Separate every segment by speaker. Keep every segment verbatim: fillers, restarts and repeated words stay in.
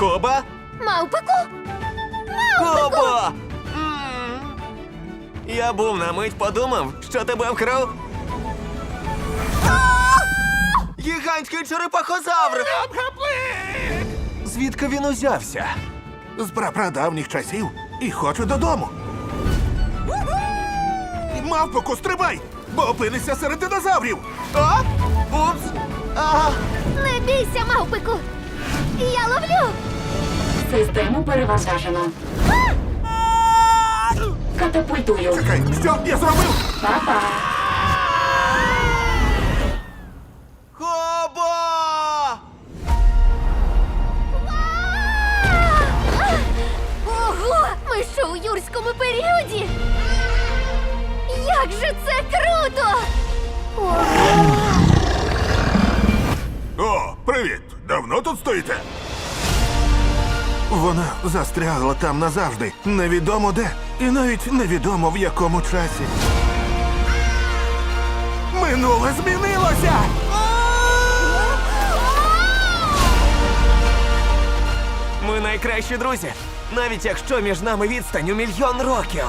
Speaker 1: Коба?
Speaker 2: Мавпику?
Speaker 1: Кобо! М. Я був на мить подумав, що тебе вкрав. Гігантський черепахозавр! Звідки він узявся?
Speaker 3: З прапрадавніх часів і хочу додому. Мавпоку, стрибай, бо опинишся серед динозаврів.
Speaker 1: А? Упс! А!
Speaker 2: Не бійся, мавпику! Я ловлю!
Speaker 4: Систему перевантажено. Катапультую.
Speaker 3: Чекай, що я зробив?
Speaker 4: Па-па.
Speaker 1: Кобо!
Speaker 2: Ого! Ми що у юрському періоді? Як же це круто! Ого!
Speaker 3: О, привіт! Давно тут стоїте? Вона застрягла там назавжди. Невідомо де. І навіть невідомо в якому часі. Минуле змінилося!
Speaker 1: Ми найкращі друзі, навіть якщо між нами відстань у мільйон років.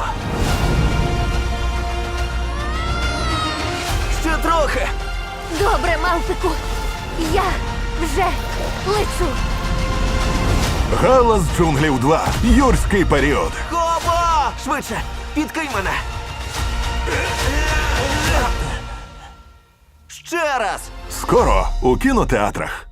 Speaker 1: Ще трохи.
Speaker 2: Добре, мавпику! Я вже лечу!
Speaker 3: Галас джунглів два. Юрський період.
Speaker 1: Кобо! Швидше, підкинь мене. Ще раз.
Speaker 3: Скоро у кінотеатрах.